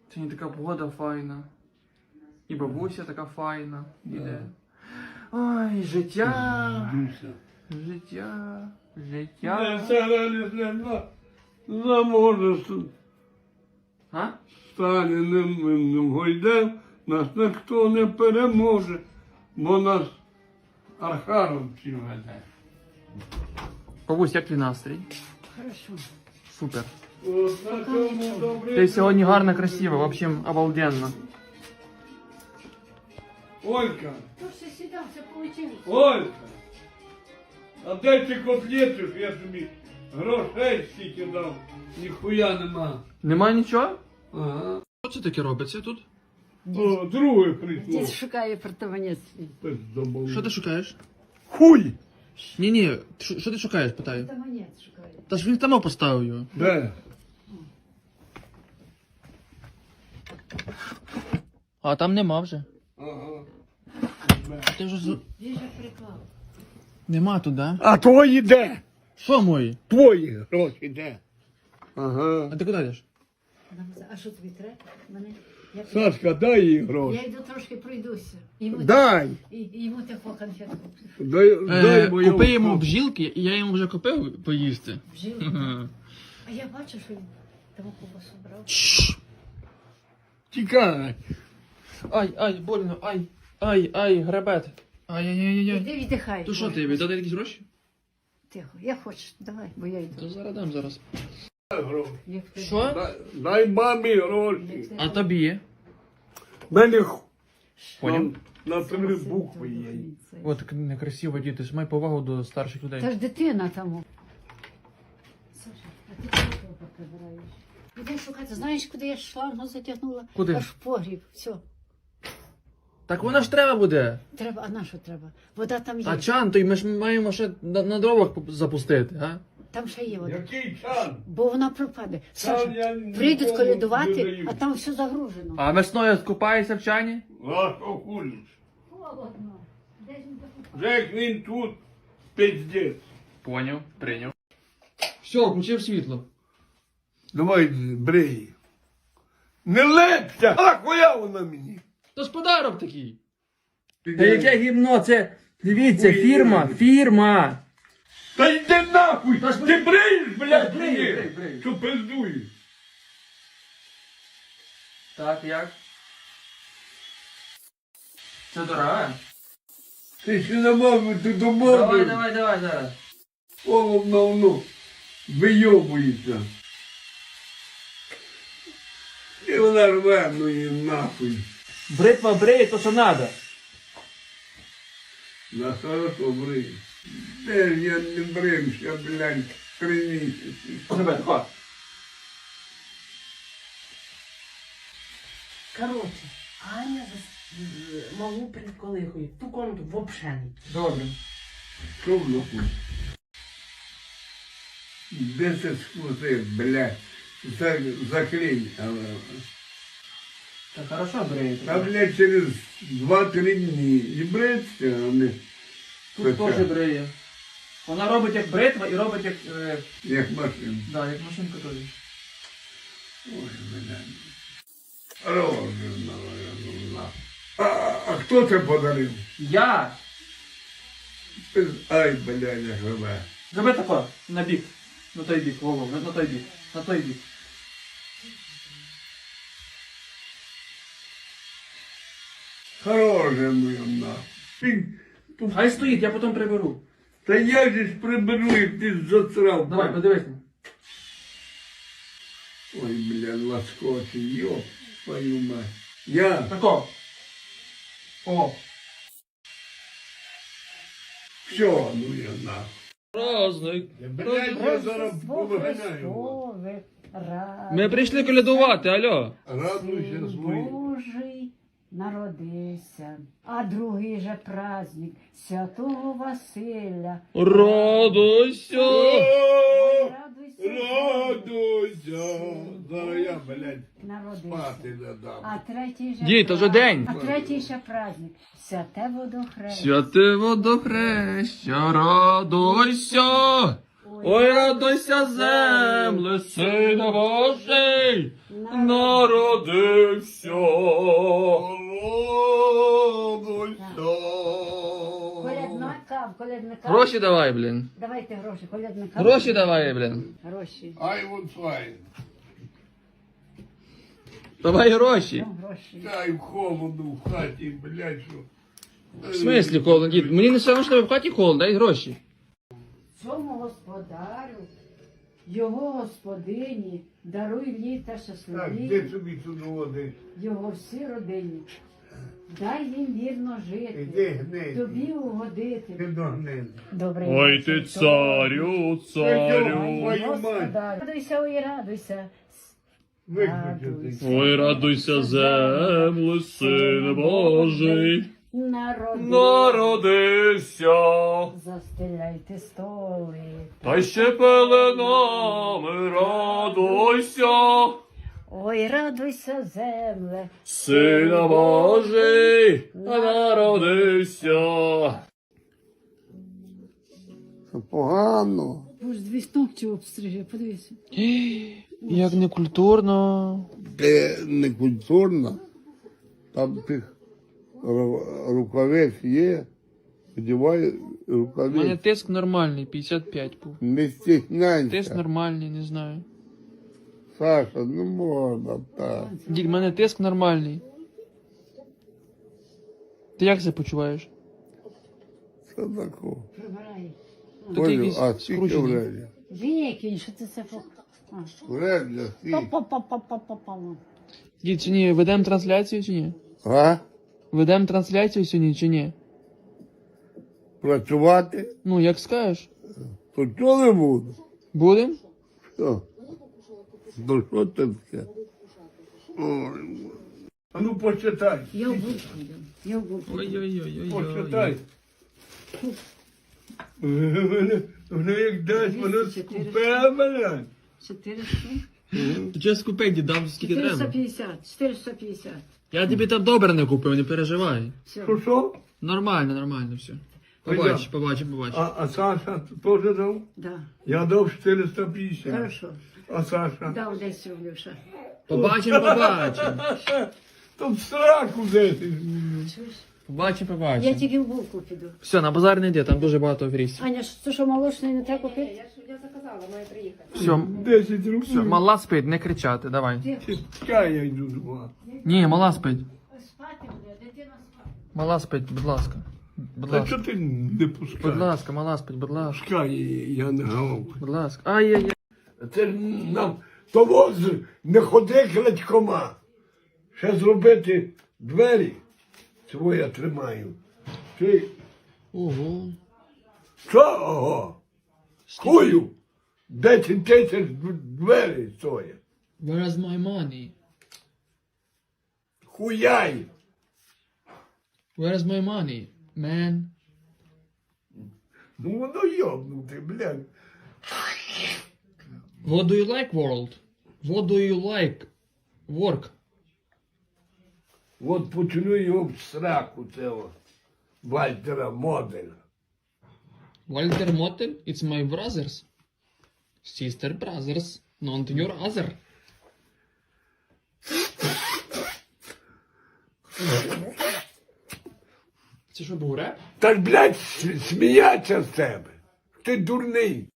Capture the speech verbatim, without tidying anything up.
Сьогодні така погода файна. І бабуся така файна. Іде. Ой, життя. Життя. Життя. Заможе А? Сталіним гойдем, нас ніхто не переможе, бо нас архаровці веде. Бабусь, як твій настрій? Хорошо. Супер. От на цьому добре. Ти сьогодні гарно, красиво, в общем, обалденно. Олька, То все сюда, все получилось. Олька, а де ці котлети, я тобі грошей стільки дав, ніхуя нема. Нема нічого? Ага. Що це таке робиться тут? О, друге прийшло. Дід шукає апартамент свій. Пиздобол. Що ти шукаєш? Хуй! Ні-ні, що що ти шукаєш, питаю. Апартамент шукає. Та ж він там поставив його. Де? А там нема вже. Ага. А ти вже з... Він же приклав. Нема тут, да? А твої де? Що мої? Твої гроші де? Ага. А ти куди йдеш? А що тобі треба? Мене... Я, Сашка, дай їй гроші. я йду трошки пройдуся. Йому, Дай! і, і йому таку конфетку. Дай, Е, дай мою купи йому гроші. бджілки, і я йому вже купив поїсти. Вжив. Ага. А я бачу, що він тому ковбасу брав. Тікай. Ай, ай, больно, ай, ай, ай, гребет. Ай-яй-яй-яй. Іди віддихай. То що ти, віддати якісь гроші? Тихо, я хочу, давай, бо я йду. То зараз дам зараз. Дай гроші. Як ти- Що? Дай, дай мамі гроші. як ти- А тобі? Мене х- Поняв? на, на три букви є. От так некрасиво, діти, ж май повагу до старших Та людей. ж дитина там. Саша, а ти чого того прибираєш? Іди шукати. Знаєш, куди я шлангу затягнула? Куди? Аж в погріб. Все. Так вона ж треба буде. Треба, а на що треба? Вода там є. А чан, то й ми ж маємо ще на, на дровах поп- запустити, а? Там ще є вода. Який чан? Бо вона пропаде. Чан я Саша, нікому прийдуть не колядувати, даю. а там все загружено. А весною купаєшся в чані? А що хулиш? Холодно. Де ж він закупав? Вже як він тут, пиздець. Поняв, прийняв. Все, включив світло. Давай брей. Не лепся! А хуя вона мені? То ж подарок такий. Та яке гімно, це, дивіться, фірма, фірма. Та йди нахуй! Та ж Ти бреєш, блядь, Брию, мені? брию, брию. Що пиздуєш? Так, як? Це дорога? Ти ще не мав, ти Давай, домовив. давай, давай зараз. Холодно воно. Вийобується. І вона рве, ну її нахуй. Бритва бриє, то що надо. На хорошо брий. Де ж я не брився, блядь, три місяці. Тебе, тако. Короче, Аня за з- малу приколихує. Ту комнату вообще не. Добре. Що в нахуй? Де це скрутив, блядь? За- Заклинь. А, Так хорошо бриє. Та, блядь, через два-три дні. І бриться, а не Тут Хоча. теж бриє. Вона робить як бритва і робить як, е, як машина. да, як машинка теж. Ой, блядь. Розумно, розумно. А, а хто це подарив? Я! Ай, блядь, як живе. Зроби тако, на бік. На той бік, Вова, на, на той бік. На той бік. Хороше моє нахуй. Ти- Хай стоїть, я потім приберу. Та я же ж приберу, як ти засрав. Давай, подивись. Ой, блядь, лоскочі, ёб твою мать. Я, Тако. О. все, ну я нахуй. Праздник. Блядь, я зараз Рождество повиганяю. Христове, радуйся, Ми прийшли колядувати, алло. Радуйся Син свої. Божий народився, а другий же праздник Святого Василя. Радуйся. О, Радуйся, радуйся. Зараз я, блядь, народився. спати не дам. А третій же Дід, то вже пра- день. А третій ще праздник Святе водохрещення. Святе водохреща, радуйся. Ой, радуйся, земле, Сина Божий, народився. Колядника, колядника. Гроші давай, блін. Давайте гроші, колядника. Гроші давай, блін. Гроші. Ай, вот файн. Давай гроші. Ну, гроші. Дай холодно в хаті, блядь, що. В смислі холодно, дід? Мені не все одно, що в хаті холодно, дай гроші. Цьому господарю, його господині, даруй літа Так, щасливі, де собі тут води? його всі родині. Дай їм вірно жити, Іди гнись. тобі угодити. Ти догнись. Добрий Ой ти вечір, царю, царю. Твою мать. Господар. Радуйся, ой, радуйся. Виключити. Ой, радуйся, земле, Син Божий, Народи, народився. застеляйте столи. Та й ще пеленами радуйся, Ой, радуйся, земле. Сина Божий, народився. Погано. Боже, дві ногті обстриже, подивися. Як некультурно. Це не культурно. Там тих ру- рукавець є. Одівай У мене рукавець. тиск нормальний, п'ятдесят п'ять був. Не Тиск стісняйся. нормальний, не знаю. Саша, не можна так. Дід, у мене тиск нормальний. Ти як себе почуваєш? Що такого? Прибирай. То ти Олю, якийсь а скільки скручений. вредя? Викинь, що ти це по... А. Вредя, скільки? Па-па-па-па-па-па. Дід, чи ні, ведемо трансляцію чи ні? А? Ведемо трансляцію сьогодні чи ні? Працювати? Ну, як скажеш. То чого не буду? Будем? Що? Ну що це таке? Ой, а ну почитай. Я в булку йду. Я в булку. Ой-ой-ой. Почитай. Воно як дасть, воно скупе мене. чотириста. Ти чого скупей, дід, дам скільки чотириста треба. п'ятдесят. чотириста п'ятдесят. Я тобі там добре не купив, не переживай. Все. Що що? Нормально, нормально все. Побач, Пойдем. побач, побач. А, а Саша теж дав? Да. Я дав чотириста п'ятдесят. Хорошо. А Саша? Дав десять рублів ще. Побачимо, побачимо. Там сраку десять. Чуєш? Побачимо, Я побачимо. тільки в булку піду. Все, на базар не йди, там дуже багато аферістів. Аня, що- це що молочний не треба купити? Все, Десять все, рублів. мала спить, не кричати, давай. Чекай, я йду з вами. Ні, мала спить. Спати буде, дитина спати. Мала спить, будь ласка. Будь Та ласка. чого ти не Будь пускаєш? ласка, мала спить, будь ласка. Пускай, я не гавкаю. Будь ласка. Ай-яй-яй. Це ж нам того з- не ходи крадькома. Ще зробити двері. Цього я тримаю. Ти Ого. що? Ого? Хую? Десять тисяч двері стоять. Where is my money? Хуяй. Where is my money, man? Ну воно йобнути, блядь. What do you like, world? What do you like? Work. От почну його в сраку цього Вальтера Моделя. Walter Motel, it's my brothers. Sister brothers, not your other. Це що був реп? Та ж, блядь, с- сміяться з тебе. Ти дурний.